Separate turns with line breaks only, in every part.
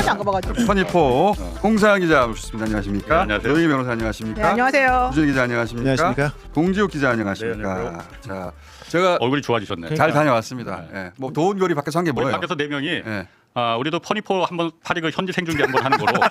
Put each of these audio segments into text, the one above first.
번도 안 가봐가지고.
퍼니포 홍사연 기자 모셨습니다. 안녕하십니까?
네, 안녕하세요.
노영희 변호사 안녕하십니까?
네, 안녕하세요.
주진 기자 안녕하십니까?
안녕하십니까?
공지욱 기자 안녕하십니까?
네, 안녕하세요.
자, 제가
얼굴이 좋아지셨네.
잘 다녀왔습니다. 예. 뭐 더운 겨울이 밖에서 한 게
우리
뭐예요?
밖에서 4명이
예.
우리도 퍼니포 한번 파리그 현지 생중계 한번 하는 거로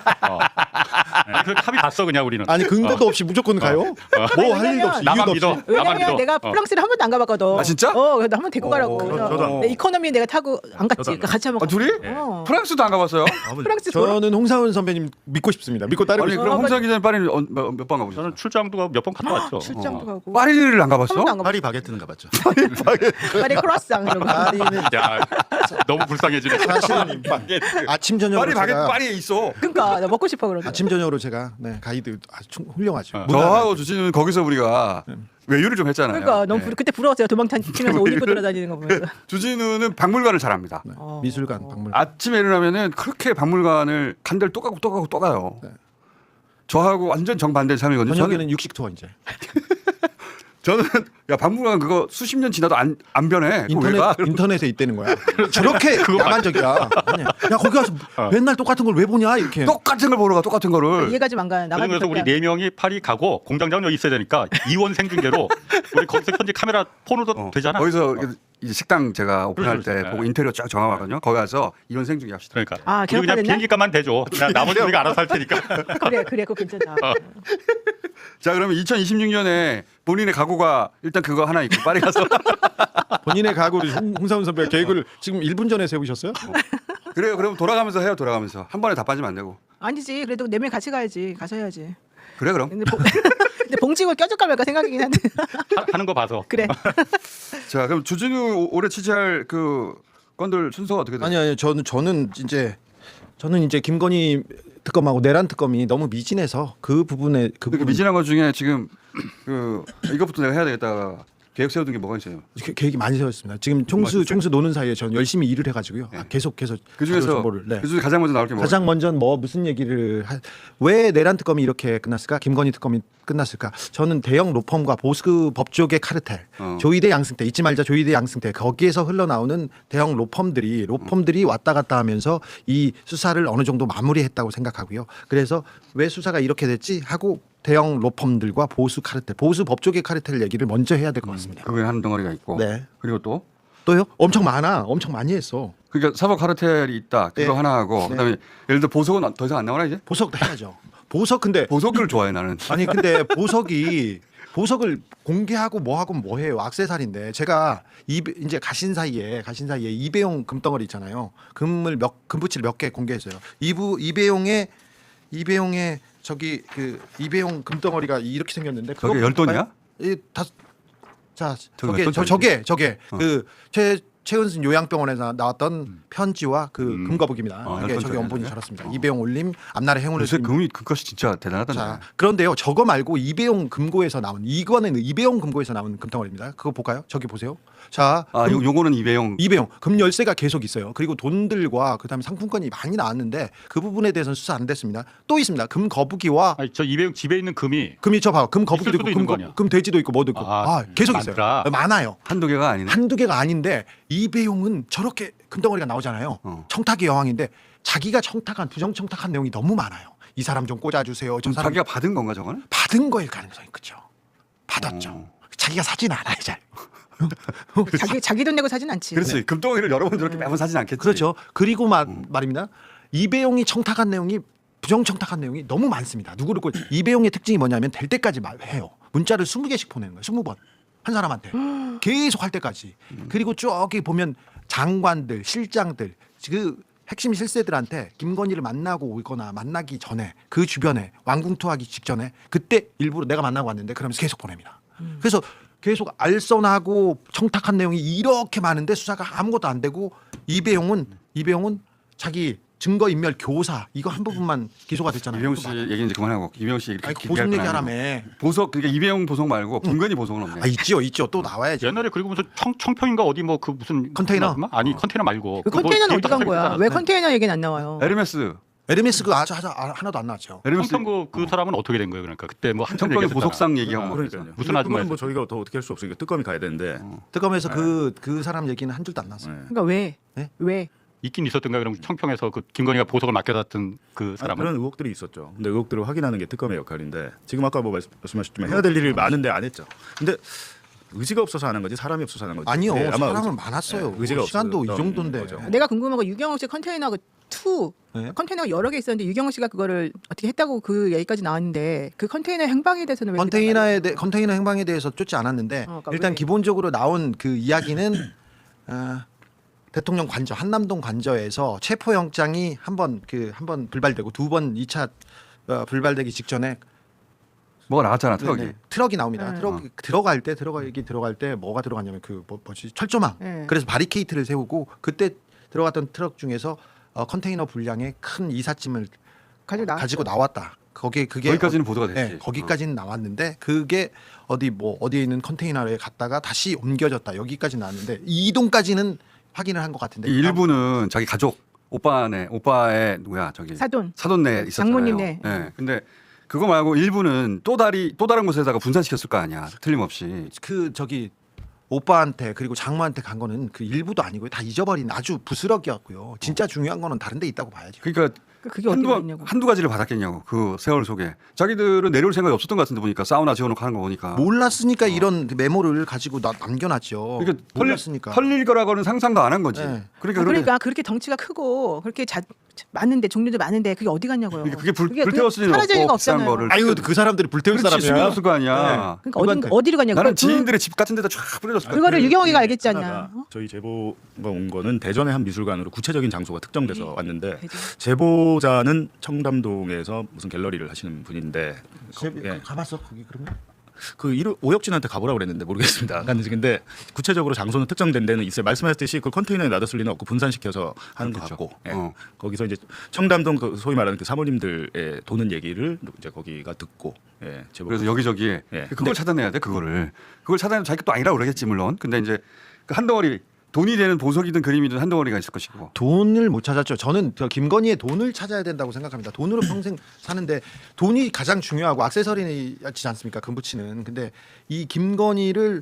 그 합의 봤어 그냥 우리는.
아니 근거도 없이 무조건 가요? 뭐 할 일도 없이
나만
이유도
믿어.
없이.
나만
왜냐면
믿어.
내가 프랑스를 한 번도 안 가봤거든.
아, 진짜?
그래서 한번 데리고 가라고.
저도.
네, 이코노미 내가 타고 안 갔지. 그러니까 같이 한번.
아, 둘이?
어.
프랑스도 안 가봤어요?
프랑스 돌아.
저는 홍사훈 선배님 믿고 싶습니다. 믿고 따르고
아니
싶습니다.
그럼 홍사연 기자는 파리 몇 번 가보셨어요?
저는 출장도 몇 번 갔다 왔죠.
출장도 가고.
파리를 안
한
가봤어?
번도 안 가봤어.
파리 바게트는 가봤죠.
파리 크로아상 이런 거.
파리는
야, 너무 불쌍해지네.
사실은 아침 저녁으로
파리 바게트
제가
파리에 있어.
그러니까 나 먹고 싶어 그러는.
아침 저녁으로 제가 가이드 아주 훌륭하죠.
저하고 주진우는 거기서 우리가 외유를 좀 했잖아요.
그러니까 너무
예.
그때 부러웠어요. 도망치면서 옷 입고 돌아다니는 거 보면서.
주진우는 박물관을 잘합니다.
미술관, 박물관.
아침에 일어나면은 그렇게 박물관을 간 데를 또 가고 또 가고 또 가요. 저하고 완전 정반대 삶이거든요.
저녁에는 육식 투어 이제.
저는 야 박물관 그거 수십 년 지나도 안 변해. 그거 왜 가?
인터넷에 있다는 거야. 저렇게 야만적이야. 아니, 야 거기 가서 맨날 똑같은 걸 왜 보냐 이렇게.
똑같은 걸 보러 가 똑같은 거를.
이해가 좀 안 가. 나만
그래서 우리 4명이 파리 가고 공장장 여기 있어야 되니까 이원 생중계로 우리 거기서 현지 카메라 폰으로도 되잖아.
거기서 이제 식당 제가 오픈할 때
그렇죠.
보고 인테리어 쫙 정하거든요. 거기 가서 이원 생중계 합시다.
그러니까
아,
우리 그냥
기억하겠네?
비행기값만 대줘. 그냥 나머지 우리가 알아서 할 테니까.
그래 그거 괜찮다.
자 그러면 2026년에 본인의 각오가 일단 그거 하나 있고 파리 가서
본인의 각오를 홍사훈 선배가 계획을 지금 1분 전에 세우셨어요?
그래요. 그럼 돌아가면서 해요. 돌아가면서 한 번에 다 빠지면 안 되고.
아니지. 그래도 4명 같이 가야지. 가서 해야지.
그래 그럼.
근데, 근데 봉지고 껴줄까 말까 생각이긴 한데.
하는 거 봐서.
그래.
자 그럼 주진우 올해 취재할 그 건들 순서가 어떻게 돼요?
아니 저는 이제 김건희 특검하고 내란 특검이 너무 미진해서 그 부분에 그
그
부분
미진한 것 중에 지금 그 이것부터 내가 해야 되겠다 계획 세워둔 게 뭐가 있어요?
계획이 많이 세웠습니다. 지금 총수 노는 사이에 저는 열심히 일을 해가지고요. 계속
그
자료
중에서
정보를. 네.
그 중에 가장 먼저 나올 게 뭐예요?
가장 먼저 뭐 무슨 얘기를 왜 내란 특검이 이렇게 끝났을까? 김건희 특검이 끝났을까? 저는 대형 로펌과 보수 법조계 카르텔, 조이대 양승태 잊지 말자 조이대 양승태 거기에서 흘러나오는 대형 로펌들이 왔다 갔다 하면서 이 수사를 어느 정도 마무리했다고 생각하고요. 그래서 왜 수사가 이렇게 됐지 하고 대형 로펌들과 보수 카르텔, 보수 법조계 카르텔 얘기를 먼저 해야 될 것 같습니다.
그게 한 덩어리가 있고.
네.
그리고 또
또요? 엄청 많이 했어.
그러니까 사법 카르텔이 있다. 그거
네.
하나 하고 그다음에 예를 들어 보석은 더 이상 안 나오나 이제?
보석도 해야죠. 보석 근데
보석을 좋아해 나는.
아니 근데 보석을 공개하고 뭐 해요? 악세사리인데 제가 이제 가신 사이에 이배용 금덩어리 있잖아요. 금붙이를 몇 개 공개했어요. 이배용의 저기 그 이배용 금덩어리가 이렇게 생겼는데
저게 10돈이야?
저게
몇
저게 그 최은순 요양병원에서 나왔던 편지와 그 금거북입니다. 이게 저게 원본이 저렇습니다. 이배용 올림 앞날의 행운을
요새 금이 그것이 진짜 대단하던데.
자, 그런데요. 저거 말고 이배용 금고에서 나온 이거는 이배용 금고에서 나온 금덩어리입니다. 그거 볼까요? 저기 보세요. 자,
요거는 이배용.
금 열쇠가 계속 있어요. 그리고 돈들과 그다음에 상품권이 많이 나왔는데 그 부분에 대해서는 수사 안 됐습니다. 또 있습니다. 금 거북이와
아니, 저 이배용 집에 있는 금이
저 봐요. 금 거북이도
있을 수도
있고
있는 거 아니야?
금 돼지도 있고 뭐도 있고 계속
많더라.
있어요. 많아요.
한두 개가 아니네.
한두 개가 아닌데 이배용은 저렇게 금덩어리가 나오잖아요. 청탁의 여왕인데 자기가 부정 청탁한 내용이 너무 많아요. 이 사람 좀 꽂아주세요. 저 사람
자기가 받은 건가 저거는?
받은 거일 가능성이 크죠. 받았죠. 자기가 사진 않아요, 잘.
자기 돈 내고 사진 않지.
그렇지. 금덩이를 여러 번 저렇게 매번 사진 않겠지.
그렇죠. 그리고 말입니다. 이배용이 청탁한 내용이 부정 청탁한 내용이 너무 많습니다. 누구를 이배용의 특징이 뭐냐면 될 때까지 해요. 문자를 20개씩 보내는 거예요. 20번. 한 사람한테. 계속 할 때까지. 그리고 저기 보면 장관들, 실장들, 그 핵심 실세들한테 김건희를 만나고 오거나 만나기 전에 그 주변에 왕궁투하기 직전에 그때 일부러 내가 만나고 왔는데 그러면서 계속 보냅니다. 그래서 계속 알선하고 청탁한 내용이 이렇게 많은데 수사가 아무것도 안 되고 이배용은 자기 증거인멸 교사 이거 한 부분만 기소가 됐잖아요.
이배용 씨 얘기 이제 그만하고 이배용 씨 이렇게
보석 얘기하라며.
보석 그러니까 이배용 보석 말고 김건희 보석은 없네.
있죠. 또 나와야지.
옛날에 그리고 무슨 청평인가 어디 뭐 그 무슨
컨테이너?
아니 컨테이너 말고
그
그거
컨테이너는
데이터
어디 간 거야?
삭제했잖아.
왜 컨테이너 얘기는 안 나와요?
에르메스
그 하나도 안 나왔죠.
에르메스
청평 그 사람은 어떻게 된 거예요? 그러니까 그때 뭐 한참
청평의
얘기했었잖아.
보석상 얘기하고 막
그러니까요.
그랬잖아요.
무슨
그거는
아줌마였어요?
뭐 저희가 더 어떻게 할 수 없으니까 특검이 가야 되는데.
특검에서 그 사람 얘기는 한 줄도 안 나왔어요.
그러니까 왜?
네?
왜?
있긴 있었던가 그럼 청평에서 그 김건희가 보석을 맡겨놨던 그 사람은
그런 의혹들이 있었죠. 근데 의혹들을 확인하는 게 특검의 역할인데 지금 아까 뭐 말씀하셨지만 해야 될 일이 많은데 안 했죠. 근데 의지가 없어서 하는 거지 사람이 없어서 하는 거지.
아니요.
네,
사람은 많았어요.
의지가
시간도 이
없었던
정도인데.
거죠.
내가 궁금한 건 유경호 씨 컨테이너 2
네?
컨테이너가 여러 개 있었는데 유경호 씨가 그거를 어떻게 했다고 그 얘기까지 나왔는데 그 컨테이너 행방에 대해서는 왜
컨테이너 행방에 대해서 쫓지 않았는데
그러니까
일단
왜?
기본적으로 나온 그 이야기는 대통령 관저 한남동 관저에서 체포영장이 한 번 불발되고 두 번 2차 불발되기 직전에
뭐가 나왔잖아 트럭이.
네네, 트럭이 나옵니다.
네.
트럭 들어갈 때 뭐가 들어갔냐면 그 뭐지 철조망.
네.
그래서 바리케이트를 세우고 그때 들어갔던 트럭 중에서 컨테이너 분량의 큰 이삿짐을 가지고 나왔다. 그게
거기까지는 보도가 됐지.
네, 거기까지는 나왔는데 그게 어디에 있는 컨테이너에 갔다가 다시 옮겨졌다. 여기까지 나왔는데 이 이동까지는 확인을 한 것 같은데
이 일부는 자기 가족 오빠의 누구야 저기 사돈네 있었잖아요.
장모님네.
네. 근데 그거 말고 일부는 또 다른 곳에다가 분산시켰을 거 아니야. 틀림없이.
그 저기 오빠한테 그리고 장모한테 간 거는 그 일부도 아니고요. 다 잊어버린 아주 부스럭이었고요. 진짜 중요한 거는 다른 데 있다고 봐야죠.
그러니까
그게 어떻게 됐냐고.
한두 가지를 받았겠냐고 그 세월 속에. 자기들은 내려올 생각이 없었던 것 같은데 보니까 사우나 지어놓고 하는 거 보니까.
몰랐으니까 이런 메모를 가지고 남겨놨죠.
그러니까
몰랐으니까.
털릴 거라고는 상상도 안 한 거지.
네.
그러니까 그렇게 덩치가 크고 그렇게 많은데 종류도 많은데 그게 어디 갔냐고요.
그게 불태웠을 리는
사라질 리가
없고 비싼
없잖아요.
거를.
아유 그 사람들이 불태울
그렇지,
사람이야.
없을 거 아니야.
그러니까 어디로 가냐고.
나는
그-
지인들의 집 같은 데다 쫙 뿌려줬을 거야.
그거를 유경호가 알겠지 않냐.
하나가 저희 제보가 온 거는 대전의 한 미술관으로 구체적인 장소가 특정돼서
네.
왔는데
대전.
제보자는 청담동에서 무슨 갤러리를 하시는 분인데 예.
가봤어 거기 그러면?
그 오혁진한테 가보라고 그랬는데 모르겠습니다. 근데 구체적으로 장소는 특정된 데는 있어요. 말씀하셨듯이 그 컨테이너에 놔뒀을 리는 없고 분산시켜서 하는 것
그렇겠죠.
같고 예. 거기서 이제 청담동 그 소위 말하는 그 사모님들의 도는 얘기를 이제 거기가 듣고 예. 제보.
그래서 여기저기에
예.
그걸
근데-
차단해야 돼 그거를. 그걸 차단하면 자기가 또 아니라고 그러겠지 물론. 근데 이제 그 한 덩어리 돈이 되는 보석이든 그림이든 한 덩어리가 있을 것이고.
돈을 못 찾았죠. 저는 저 김건희의 돈을 찾아야 된다고 생각합니다. 돈으로 평생 사는데 돈이 가장 중요하고 액세서리지 않습니까? 금붙이는. 근데 이 김건희를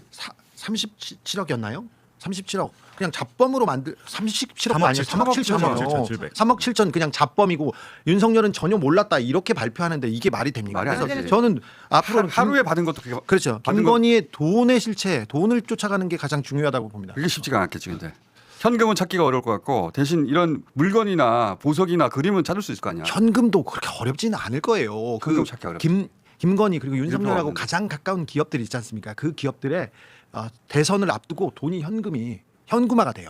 37억이었나요? 37억. 그냥 잡범으로 37억도 아니에요. 3억 7천이에요. 3억 7천 그냥 잡범이고 윤석열은 전혀 몰랐다 이렇게 발표하는데 이게 말이 됩니까?
말이 안
그래서
되지.
저는 앞으로는
하루에 받은 것도 그게
그렇죠.
받은 거-
김건희의 돈의 실체, 돈을 쫓아가는 게 가장 중요하다고 봅니다.
그게 쉽지가 않겠지 근데. 현금은 찾기가 어려울 것 같고 대신 이런 물건이나 보석이나 그림은 찾을 수 있을 거 아니야.
현금도 그렇게 어렵지는 않을 거예요.
현금 찾기 어렵다.
김건희 그리고 윤석열하고
없는데.
가장 가까운 기업들이 있지 않습니까? 그 기업들의 대선을 앞두고 돈이 현금화가 돼요.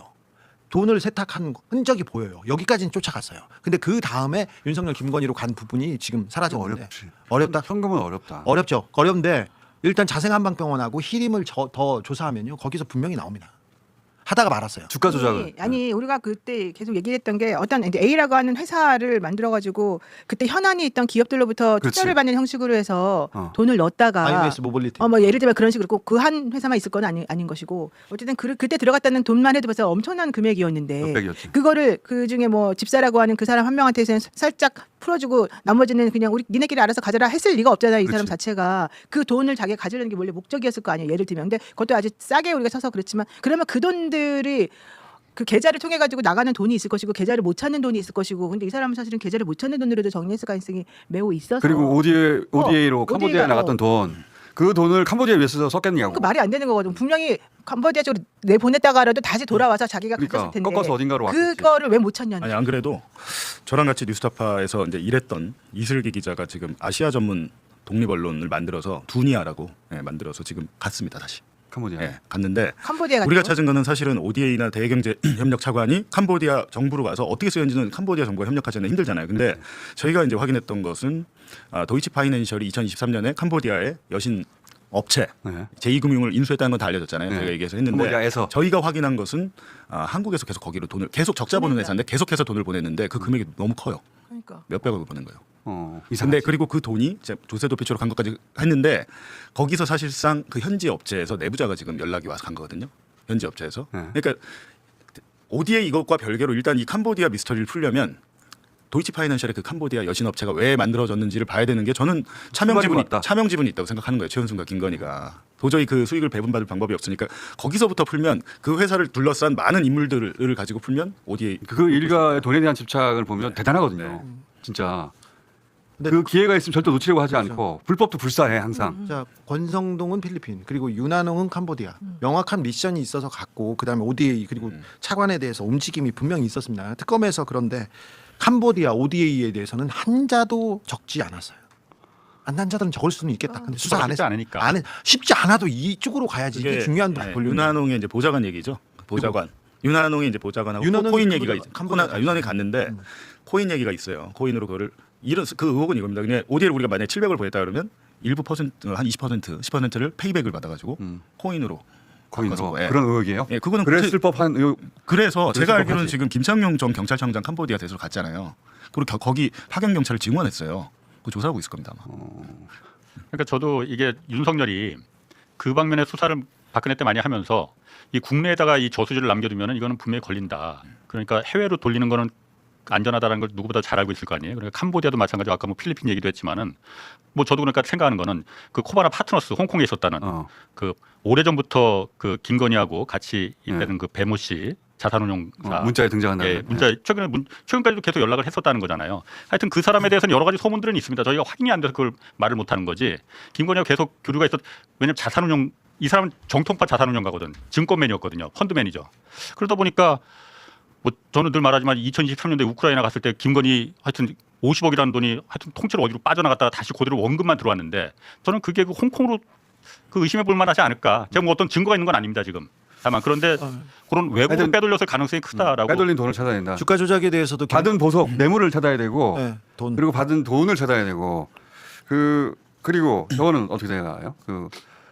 돈을 세탁한 흔적이 보여요. 여기까지는 쫓아갔어요. 근데 그 다음에 윤석열 김건희로 간 부분이 지금 사라졌는데
어렵지.
어렵다.
현금은 어렵다.
어렵죠. 어려운데 일단 자생한방병원하고 히림을 더 조사하면요. 거기서 분명히 나옵니다. 하다가 말았어요.
주가 조작을.
아니 우리가 그때 계속 얘기했던 게 어떤 이제 A라고 하는 회사를 만들어 가지고 그때 현안이 있던 기업들로부터
그렇지.
투자를 받는 형식으로 해서
어.
돈을 넣었다가
IMS 모빌리티.
뭐 예를 들면 그런 식으로 꼭 그 한 회사만 있을 건 아닌 것이고 어쨌든 그때 들어갔다는 돈만 해도 벌써 엄청난 금액이었는데
몇백이었지.
그거를 그 중에 뭐 집사라고 하는 그 사람 한 명한테는 살짝 풀어주고 나머지는 그냥 우리 니네끼리 알아서 가져라 했을 리가 없잖아요. 이 사람
그렇지.
자체가 그 돈을 자기가 가지려는 게 원래 목적이었을 거 아니에요. 예를 들면 근데 그것도 아주 싸게 우리가 쳐서 그렇지만 그러면 그 돈들이 그 계좌를 통해 가지고 나가는 돈이 있을 것이고 계좌를 못 찾는 돈이 있을 것이고 근데 이 사람은 사실은 계좌를 못 찾는 돈으로도 정리했을 가능성이 매우 있어서
그리고 ODA로 캄보디아에
ODA 가
나갔던 돈. 그 돈을 캄보디아에 왜 써서 썼겠냐고.
그 말이 안 되는 거거든. 분명히 캄보디아 쪽으로 내보냈다가라도 다시 돌아와서 자기가
그러니까
가졌을 텐데
꺾어서 어딘가로 왔겠지.
그거를 왜 못 찾냐는.
아니 안 그래도 저랑 같이 뉴스타파에서 이제 일했던 이슬기 기자가 지금 아시아 전문 독립 언론을 만들어서 두니아라고 만들어서 지금 갔습니다 다시.
캄보디아.
예, 갔는데
캄보디아
우리가
같은
찾은 거는 사실은 ODA나 대외경제협력 차관이 캄보디아 정부로 가서 어떻게 쓰였는지는 캄보디아 정부가 협력하지는 힘들잖아요. 근데 저희가 이제 확인했던 것은 도이치 파이낸셜이 2023년에 캄보디아의 여신 업체
네.
제2금융을 인수했다는 건 다 알려졌잖아요.
네.
저희가 얘기해서 했는데
캄보디아에서.
저희가 확인한 것은 한국에서 계속 거기로 돈을 계속 적자 보는
그러니까.
회사인데 계속해서 돈을 보냈는데 그 금액이 너무 커요.
그러니까.
몇백억을 보낸 거예요. 근데
이상하지.
그리고 그 돈이 이제 조세 도피처로 간 것까지 했는데 거기서 사실상 그 현지 업체에서 내부자가 지금 연락이 와서 간 거거든요. 현지 업체에서.
네.
그러니까 ODA 이것과 별개로 일단 이 캄보디아 미스터리를 풀려면 도이치 파이낸셜의 그 캄보디아 여신 업체가 왜 만들어졌는지를 봐야 되는 게 저는
수반이 있다.
차명 지분이 있다고 생각하는 거예요. 최은순과 김건희가 도저히 그 수익을 배분받을 방법이 없으니까 거기서부터 풀면 그 회사를 둘러싼 많은 인물들을 가지고 풀면 어디에
그 일가의 돈에 대한 집착을 보면 대단하거든요. 진짜 그 기회가 있으면 절대 놓치려고 하지 않고 불법도 불사해 항상.
자, 권성동은 필리핀 그리고 윤한홍은 캄보디아. 명확한 미션이 있어서 갔고 그다음에 ODA 그리고 차관에 대해서 움직임이 분명히 있었습니다. 특검에서 그런데 캄보디아 ODA에 대해서는 한자도 적지 않았어요. 안 자들은 적을 수는 있겠다. 근데 수사 안
쉽지
해서
않으니까.
안 해. 쉽지 않아도 이쪽으로 가야지. 이게 중요한 본류.
윤한홍의 이제 보좌관 얘기죠. 보좌관. 윤한홍이 이제 보좌관하고
윤한홍이
코인
캄보디아,
얘기가
캄보디아
윤한홍이 갔는데 코인 얘기가 있어요. 코인으로 그거를 이런 그 의혹은 이겁니다. 그냥 ODA를 우리가 만약에 700을 보냈다 그러면 일부 퍼센트 한 20% 10%를 페이백을 받아가지고 코인으로
거기서
바꿔서, 예.
그런 의혹이에요.
예, 그거는
그랬을 법한 의혹.
그래서 제가
법하지.
알기로는 지금 김창룡 전 경찰청장 캄보디아 대사로 갔잖아요. 그리고 거기 파견 경찰을 증원했어요. 그 조사하고 있을 겁니다. 아마.
그러니까 저도 이게 윤석열이 그 방면의 수사를 박근혜 때 많이 하면서 이 국내에다가 이 저수지를 남겨두면은 이거는 분명히 걸린다. 그러니까 해외로 돌리는 거는 안전하다는 걸 누구보다 잘 알고 있을 거 아니에요. 그러니까 캄보디아도 마찬가지고 아까 뭐 필리핀 얘기도 했지만은 뭐 저도 그러니까 생각하는 거는 그 코바나 파트너스 홍콩에 있었다는 그 오래전부터 그 김건희하고 같이 있다는 그 배모 씨 자산운용사
문자에 등장한다는.
예, 문자 최근까지도 계속 연락을 했었다는 거잖아요. 하여튼 그 사람에 대해서는 여러 가지 소문들은 있습니다. 저희가 확인이 안 돼서 그걸 말을 못 하는 거지. 김건희하고 계속 교류가 있었. 왜냐면 자산운용 이 사람은 정통파 자산운용가거든. 증권맨이었거든요. 펀드 매니저. 그러다 보니까 뭐 저는 늘 말하지만 2023년도에 우크라이나 갔을 때 김건희 하여튼 50억이라는 돈이 하여튼 통째로 어디로 빠져나갔다가 다시 그대로 원금만 들어왔는데 저는 그게 그 홍콩으로 그 의심해 볼 만하지 않을까. 제가 뭐 어떤 증거가 있는 건 아닙니다 지금. 다만 그런데 그런 외국으로
하여튼
빼돌렸을 가능성이 크다라고.
빼돌린 돈을 찾아야 된다.
주가 조작에 대해서도
받은 보석 뇌물을 찾아야 되고
네, 돈.
그리고 받은 돈을 찾아야 되고 그리고 저거는 어떻게 생각해요? 그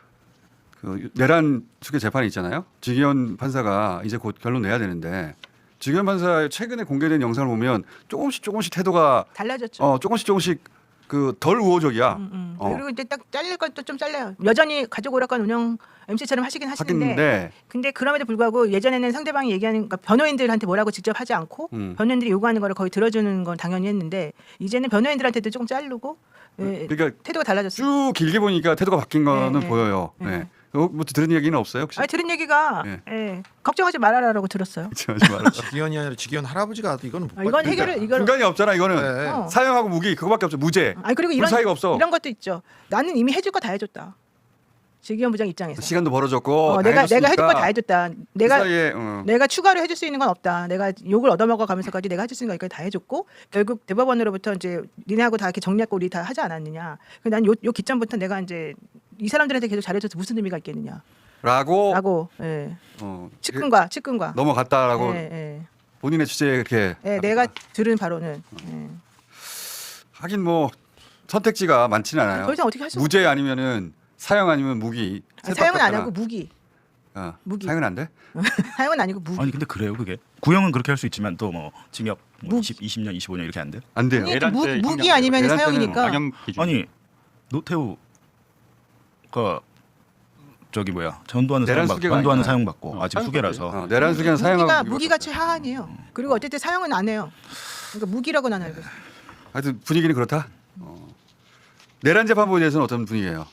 내란 수계 재판이 있잖아요. 지기현 판사가 이제 곧 결론 내야 되는데 지기현 판사의 최근에 공개된 영상을 보면 조금씩 태도가
달라졌죠.
조금씩 그 덜 우호적이야.
그리고 이제 딱 잘릴 것도 좀 잘려요. 여전히 가족 오락관 운영 MC처럼 하시긴 하시는데 근데 그럼에도 불구하고 예전에는 상대방이 얘기하는 그러니까 변호인들한테 뭐라고 직접 하지 않고 변호인들이 요구하는 거를 거의 들어주는 건 당연히 했는데 이제는 변호인들한테도 조금 자르고
그러니까
태도가 달라졌어요.
쭉 길게 보니까 태도가 바뀐 거는
네,
보여요.
네.
네. 뭐 들은 얘기는 없어요 혹시?
아니 들은 얘기가
네.
걱정하지 말아라라고 들었어요.
하지 말아요.
지기현이 아니라 지기현 할아버지가 이거는 못
이건 해결을 이걸
중간이 없잖아 이거는.
네.
어.
사형하고 무기 그거밖에 없죠. 무죄.
아니 그리고
불 사이가 없어.
이런 것도 있죠. 나는 이미 해줄 거 다 해줬다. 지기현 부장 입장에서.
시간도 벌어졌고 다
내가
해줬으니까
해줄 거 다 해줬다.
그 사이에,
내가 추가로 해줄 수 있는 건 없다. 내가 욕을 얻어먹어 가면서까지 내가 해줄 수 있는 거까지 다 해줬고 결국 대법원으로부터 이제 니네하고 다 이렇게 정리하고 우리 다 하지 않았느냐. 난 요 기점부터 내가 이제 이 사람들한테 계속 잘해줘서 무슨 의미가 있겠느냐.
라고
예.
어,
측근과
넘어갔다라고
예.
본인의 취재에 이렇게
예, 내가 들은 바로는
하긴 뭐 선택지가 많지는 않아요.
더 이상 어떻게 할 수가
무죄 아니면은 사형 아니면 무기.
사형은 안 하고 무기. 무기.
사형은 안 돼?
사형은 아니고 무기.
아니 근데 그래요 그게 구형은 그렇게 할 수 있지만 또 뭐 징역 뭐
무기.
20년 25년 이렇게 안 돼?
안 돼요.
아니,
내란 때
무기
형량,
아니면
내란 때는
사형이니까.
양형 기준.
아니 노태우가 저기 뭐야 전두환은
내란
사형
수계가
전두환은
아니야.
사형 받고 아직 수계라서
내란 수계는 사형하고
무기가 최하한이에요. 그리고 어쨌든 사형은 안 해요. 그러니까 무기라고 난 알고 있어요.
하여튼 분위기는 그렇다. 내란 재판부에 대해서는 어떤 분위기예요?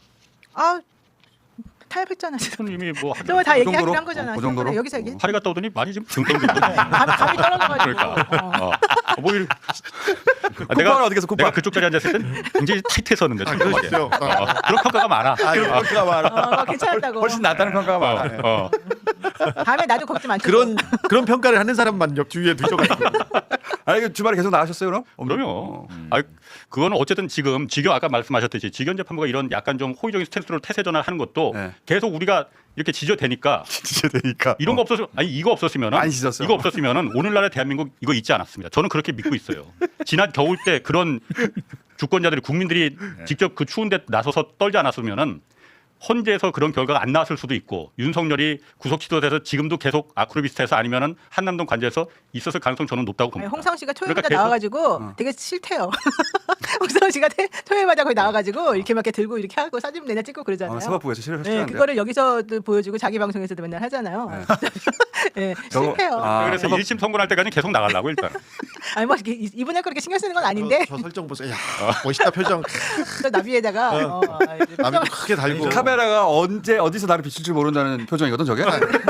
타협했잖아.
이미 뭐
저거 다
그
얘기하긴
정도로?
한 거잖아.
그 정도로?
여기서 얘기했.
파리 갔다 오더니 많이 지금 등등등.
감이 떨어져가지고.
그러니까. 뭐 이렇게.
콧방울 어디 갔어, 콧방?
내가 그쪽 자리에 앉았을 땐 굉장히 타이트했었는데.
그렇죠.
그런 평가가 많아.
그런가 말아.
괜찮았다고.
훨씬 낫다는 평가가 많아.
다음에 나도 걱정 안
그런 평가를 하는 사람만 옆 주위에 두셔가지고.
아니 주말에 계속 나가셨어요 그럼?
그럼요. 그거는 어쨌든 지금 지경 아까 말씀하셨듯이 지경 재판부가 이런 약간 좀 호의적인 스탠스로 태세 전환을 하는 것도
네.
계속 우리가 이렇게 지저대니까
진짜 되니까.
이런 거 없었으면 이거 없었으면은
많이 짖었어요.
이거 없었으면은 오늘날의 대한민국 이거 있지 않았습니다. 저는 그렇게 믿고 있어요. 지난 겨울 때 그런 주권자들이 국민들이 직접 그 추운데 나서서 떨지 않았으면은 헌재에서 그런 결과가 안 나왔을 수도 있고 윤석열이 구속 취소돼서 지금도 계속 아크로비스타에서 아니면은 한남동 관저에서 있었을 가능성 저는 높다고 봅니다.
홍상 씨가 토요일마다
그러니까 계속-
나와가지고 되게 싫대요. 홍상 씨가 토요일마다 거기 나와가지고 이렇게 막 이렇게 들고 이렇게 하고 사진 맨날 찍고 그러잖아요.
사법부에서
네,
실현했는데.
그거를 여기서도 보여주고 자기 방송에서도 맨날 하잖아요. 네,
저거-
싫대요.
아,
그래서
사법-
1심 선고할 때까지 계속 나가려고 일단.
아니 뭐 이분할 거 그렇게 신경 쓰는 건 아닌데
저 설정 보세요. 야, 멋있다 표정.
또 나비에다가
나비도 크게 달고.
카메라가 언제 어디서 나를 비출 줄 모른다는 표정이거든 저게.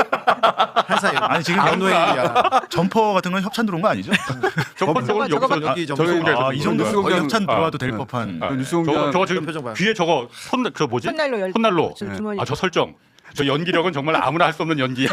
항상
아니 지금
연노행이야.
점퍼 같은 건 협찬 들어온 거 아니죠?
저번
저거
여기서
여기 좀
저기
아, 이 정도
뉴스공장-
거의 협찬 들어와도 될
아.
법한.
그 뉴스공장
저거 지금
표정 봐요.
귀에 저거 저 뭐지? 콧난로.
주머니.
아 저 설정. 저 연기력은 정말 아무나 할 수 없는 연기야.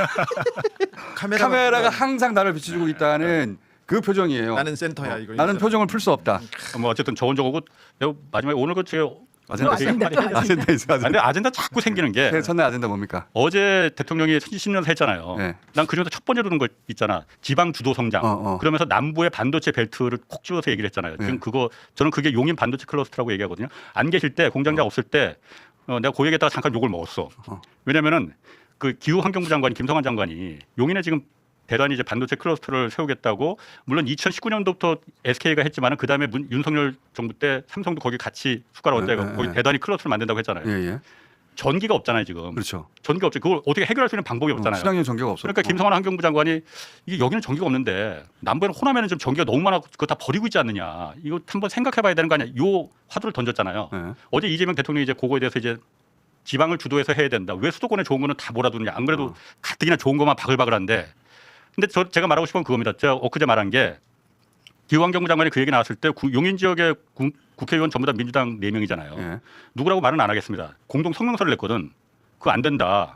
카메라가 항상 나를 비춰주고 있다는 그 표정이에요.
나는 센터야 이거.
나는 표정을 풀 수 없다.
뭐 어쨌든 저건 저거고 내가 마지막에 오늘 그 제가
아젠다
아젠다.
아젠다 있어.
근데 아젠다 자꾸 생기는 게
첫날 아젠다 뭡니까?
어제 대통령이 10년 했잖아요.
네.
난 그중에서 첫 번째로 든 거 있잖아. 지방 주도 성장. 그러면서 남부의 반도체 벨트를 콕 집어서 얘기를 했잖아요.
네.
지금 그거 저는 그게 용인 반도체 클러스터라고 얘기하거든요. 안 계실 때 공장장 없을 때 내가 그 얘기에다가 잠깐 욕을 먹었어. 왜냐면은 그 기후환경부 장관이 김성환 장관이 용인에 지금 대단히 이제 반도체 클러스터를 세우겠다고 물론 2019년도부터 SK가 했지만은 그 다음에 윤석열 정부 때 삼성도 거기 같이 숟가락 얹어
네,
거기
네.
대단히 클러스터를 만든다고 했잖아요.
예.
전기가 없잖아요 지금.
그렇죠.
전기가 없죠. 그걸 어떻게 해결할 수 있는 방법이 없잖아요.
친환경 전기가 없어.
그러니까 김성환 환경부 장관이 이게 여기는 전기가 없는데 남부에는 호남에는 좀 전기가 너무 많아 그거 다 버리고 있지 않느냐. 이거 한번 생각해봐야 되는 거 아니야. 요 화두를 던졌잖아요.
네.
어제 이재명 대통령이 이제 그거에 대해서 이제 지방을 주도해서 해야 된다. 왜 수도권에 좋은 거는 다 몰아두느냐. 안 그래도 가뜩이나 좋은 것만 바글바글한데. 근데 제가 말하고 싶은 건 그겁니다. 제가 엊그제 말한 게 기후환경부 장관이 그 얘기 나왔을 때 용인 지역의 국회의원 전부 다 민주당 4명이잖아요.
예.
누구라고 말은 안 하겠습니다. 공동 성명서를 냈거든. 그거 안 된다.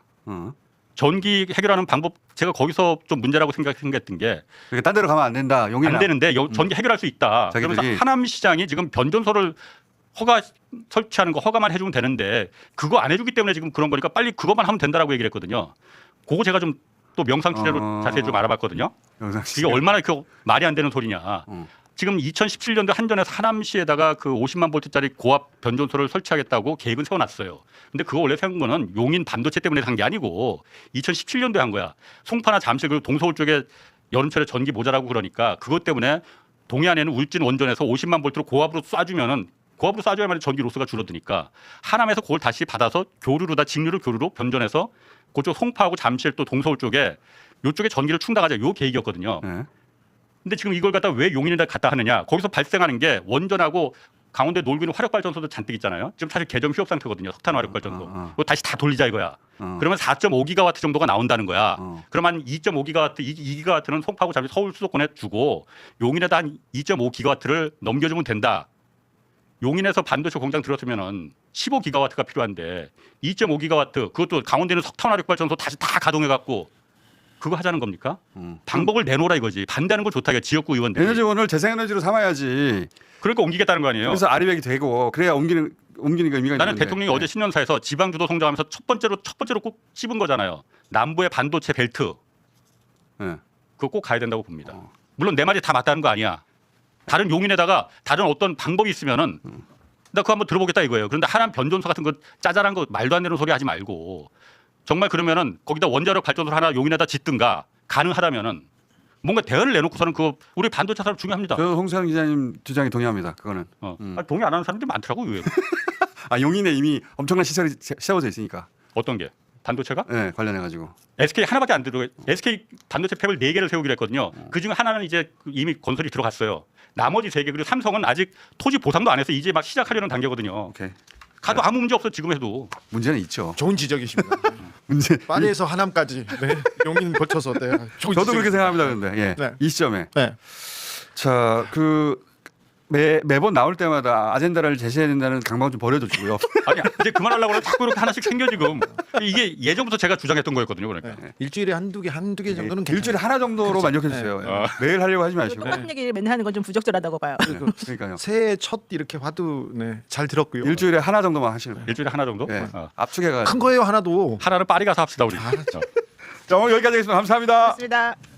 전기 해결하는 방법 제가 거기서 좀 문제라고 생각했던 게
그러니까 딴 데로 가면 안 된다. 용인
안 되는데 전기 해결할 수 있다.
자기들이-
그러면서 하남시장이 지금 변전소를 허가 설치하는 거 허가만 해주면 되는데 그거 안 해주기 때문에 지금 그런 거니까 빨리 그것만 하면 된다라고 얘기를 했거든요. 그거 제가 좀 또 명상 취재로 자세히 좀 알아봤거든요. 이게 얼마나 그 말이 안 되는 소리냐. 지금 2017년도 한전에서 하남시에다가 그 50만 볼트짜리 고압 변전소를 설치하겠다고 계획은 세워놨어요. 근데 그거 원래 세운 거는 용인 반도체 때문에 한 게 아니고 2017년도에 한 거야. 송파나 잠실 그리고 동서울 쪽에 여름철에 전기 모자라고 그러니까 그것 때문에 동해안에는 울진 원전에서 50만 볼트로 고압으로 쏴주면은 고압으로 쏴줘야만 전기 로스가 줄어드니까 하남에서 그걸 다시 받아서 교류로다 직류를 교류로 변전해서 그쪽 송파하고 잠실 또 동서울 쪽에 요쪽에 전기를 충당하자 요 계획이었거든요.
예.
근데 지금 이걸 갖다 왜 용인에다 갖다 하느냐? 거기서 발생하는 게 원전하고 강원도에 놀고 있는 화력발전소도 잔뜩 있잖아요. 지금 사실 개점 휴업 상태거든요. 석탄 화력발전소. 그거 다시 다 돌리자 이거야. 그러면 4.5기가와트 정도가 나온다는 거야. 그러면 한 2.5기가와트, 2기가와트는 송파하고 잠실 서울 수도권에 주고 용인에다 한 2.5기가와트를 넘겨주면 된다. 용인에서 반도체 공장 들었으면은 15기가와트가 필요한데 2.5기가와트 그것도 강원도에는 석탄 화력발전소 다시 다 가동해 갖고 그거 하자는 겁니까? 방법을 내놓으라 이거지. 반대하는 건 좋다. 이거 지역구 의원들이.
에너지원을 재생에너지로 삼아야지.
그러니까 옮기겠다는 거 아니에요.
그래서 아리백이 되고 그래야 옮기는 거 의미가 있는데.
나는 대통령이 어제 신년사에서 지방 주도 성장하면서 첫 번째로 꼭 찝은 거잖아요. 남부의 반도체 벨트
예.
그거 꼭 가야 된다고 봅니다. 물론 내 말이 다 맞다는 거 아니야. 다른 용인에다가 다른 어떤 방법이 있으면은 나 그거 한번 들어보겠다 이거예요. 그런데 하남 변전소 같은 거 짜잘한 거 말도 안 되는 소리 하지 말고 정말 그러면은 거기다 원자력 발전소를 하나 용인에다 짓든가 가능하다면은 뭔가 대안을 내놓고서는 그거 우리 반도체 사업 중요합니다.
저는 홍수환 기자님 주장에 동의합니다. 그거는.
동의 안 하는 사람들이 많더라고 의외로.
아 용인에 이미 엄청난 시설이 세워져 있으니까.
어떤 게? 반도체가?
네, 관련해 가지고.
SK 하나밖에 안 들어. SK 반도체 팹을 4개를 세우기로 했거든요. 그중에 하나는 이제 이미 건설이 들어갔어요. 나머지 3개 그리고 삼성은 아직 토지 보상도 안 해서 이제 막 시작하려는 단계거든요.
오케이.
가도 아무 문제 없어 지금 해도.
문제는 있죠.
좋은 지적이십니다.
문제.
파리에서 하남까지 네. 용인 거쳐서 네. 좋은
저도 그렇게
지적입니다.
생각합니다. 근데 예.
네.
이 시점에.
네.
자, 매번 나올 때마다 아젠다를 제시해야 된다는 강박 좀 버려주시고요.
아니 이제 그만하려고 하면 자꾸 이렇게 하나씩 생겨 지금. 이게 예전부터 제가 주장했던 거였거든요. 그러니까.
네. 일주일에 한두 개 정도는 괜찮아요.
일주일에 하나 정도로
그렇죠.
만족해 주세요. 매일 하려고 하지 마시고.
똑같은 얘기를 맨날 하는 건 좀 부적절하다고 봐요.
그러니까요.
새해 첫 이렇게 화두 네, 잘 들었고요.
일주일에 하나 정도만 하시는 거예요.
일주일에 하나 정도?
네.
어.
압축해가.
큰 거예요 하나도.
하나는 파리 가서 합시다 우리.
자, 오늘 여기까지 하겠습니다. 감사합니다.
맞습니다.